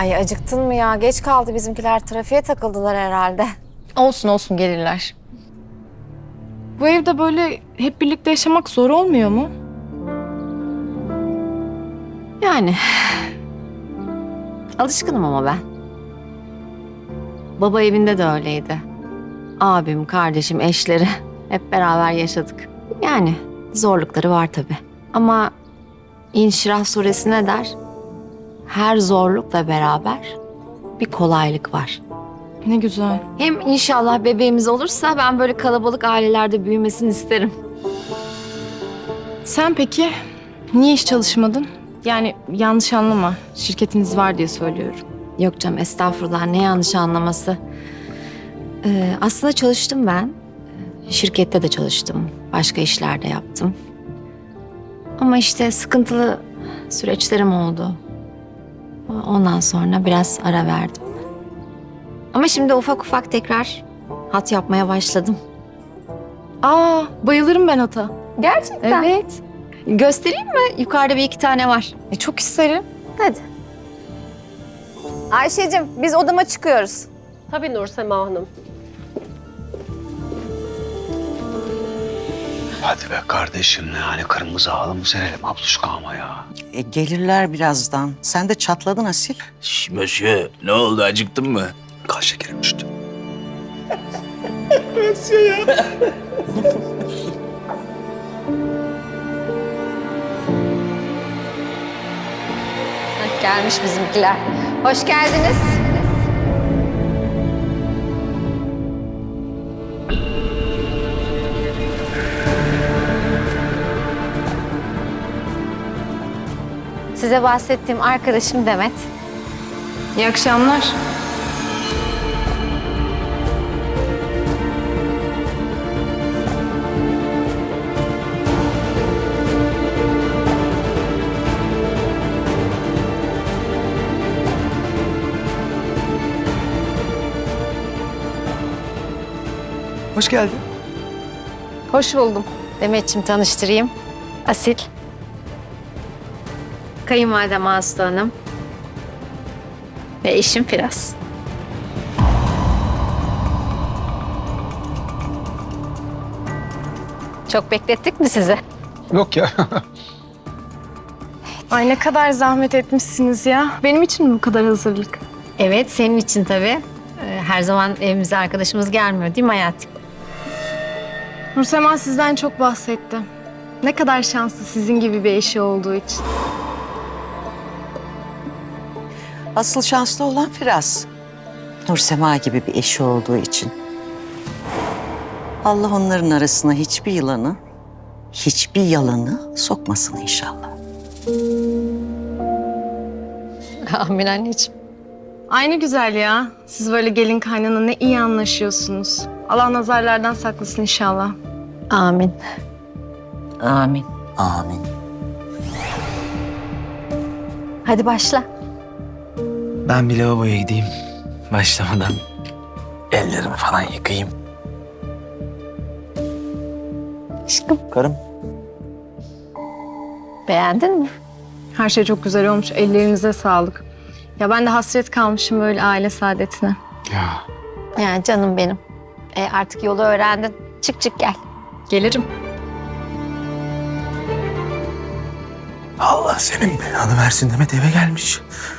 Ay acıktın mı ya? Geç kaldı bizimkiler. Trafiğe takıldılar herhalde. Olsun olsun gelirler. Bu evde böyle hep birlikte yaşamak zor olmuyor mu? Yani alışkınım ama ben. Baba evinde de öyleydi. Abim, kardeşim, eşleri hep beraber yaşadık. Yani zorlukları var tabii. Ama İnşirah suresi ne der? Her zorlukla beraber bir kolaylık var. Ne güzel. Hem inşallah bebeğimiz olursa ben böyle kalabalık ailelerde büyümesini isterim. Sen peki niye hiç çalışmadın? Yani yanlış anlama. Şirketiniz var diye söylüyorum. Yok canım estağfurullah ne yanlış anlaması. Aslında çalıştım ben. Şirkette de çalıştım. Başka işler de yaptım. Ama işte sıkıntılı süreçlerim oldu. Ondan sonra biraz ara verdim. Ama şimdi ufak ufak tekrar hat yapmaya başladım. Aa, bayılırım ben ata. Gerçekten? Evet. Göstereyim mi? Yukarıda bir iki tane var. Çok isterim. Hadi. Ayşe'cim biz odama çıkıyoruz. Tabii Nursema Hanım. Hadi be kardeşim ne hani kırmızı halı mı serelim abluşka ama ya. Gelirler birazdan. Sen de çatladın Asil. Şş, Mösyö, ne oldu acıktın mı? Kan şekerim düştü. Gelmiş bizimkiler. Hoş geldiniz. Size bahsettiğim arkadaşım Demet. İyi akşamlar. Hoş geldin. Hoş buldum. Demet'ciğim tanıştırayım. Asil. Kayınvalidem Aslı Hanım. Ve eşim Firaz. Çok beklettik mi sizi? Yok ya. Ay ne kadar zahmet etmişsiniz ya. Benim için mi bu kadar hazırlık? Evet, senin için tabii. Her zaman evimize arkadaşımız gelmiyor değil mi hayatım? Nursema sizden çok bahsetti. Ne kadar şanslı sizin gibi bir eşi olduğu için. Asıl şanslı olan Firaz. Nursema gibi bir eşi olduğu için. Allah onların arasına hiçbir yılanı, hiçbir yalanı sokmasın inşallah. Amin anneciğim. Aynı güzel ya. Siz böyle gelin kaynana ne iyi anlaşıyorsunuz. Allah nazarlardan saklasın inşallah. Amin. Amin. Amin. Hadi başla. Ben bir lavaboya gideyim. Başlamadan ellerimi falan yıkayayım. Aşkım. Karım. Beğendin mi? Her şey çok güzel olmuş. Ellerinize sağlık. Ya ben de hasret kalmışım böyle aile saadetine. Ya. Yani canım benim. Artık yolu öğrendin. Çık çık gel. Gelirim. Allah senin belanı versin Demet eve gelmiş.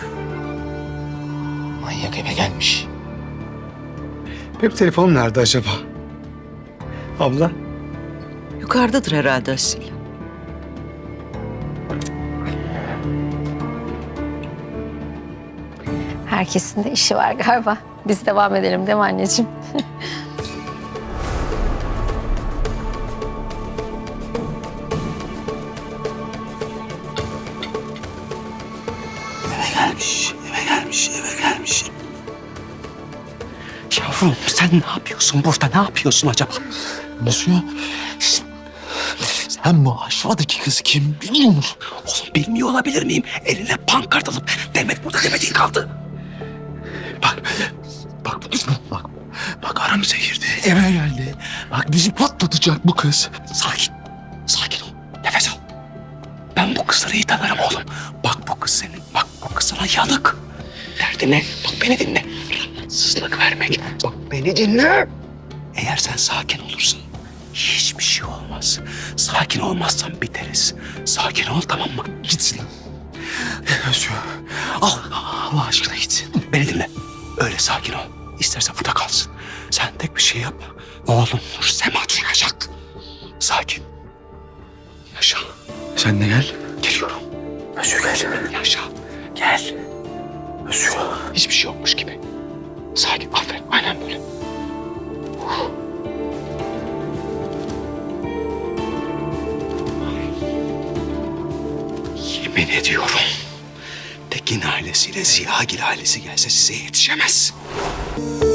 Manyak eve gelmiş. Benim telefonum nerede acaba? Abla. Yukarıdadır herhalde Asil. Herkesin de işi var galiba. Biz devam edelim değil mi anneciğim? Eve gelmiş. Yavrum sen ne yapıyorsun burada? Ne yapıyorsun acaba? Nasıl ya? Sen bu aşağıdaki kız kim biliyor musun? Oğlum bilmiyor olabilir miyim? Eline pankart alıp Demet burada Demet'in kaldı. Bak aramıza girdi. Eve geldi. Bak bizi patlatacak bu kız. Sakin ol. Nefes al. Ben bu kızları iyi tanırım oğlum. Bak bu kız senin. Bak bu kız sana yanık. derdi ne? Bak beni dinle. Rahatsızlık vermek. Bak beni dinle. Eğer sen sakin olursan hiçbir şey olmaz. Sakin olmazsan biteriz. Sakin ol, tamam mı? Gitsin. Özgür. Allah aşkına gitsin. Beni dinle. Öyle sakin ol. İstersen burada kalsın. Sen tek bir şey yap. Oğlum Nur Sema duyacak. Sakin. Yaşa. Sen de gel. Geliyorum. Özgür gel. Yaşa. Gel. Özgür. Hiçbir şey yokmuş gibi. Sakin. Aferin. Aynen böyle. Yemin ediyorum. Tekin ailesiyle Ziyagil ailesi gelse size yetişemez.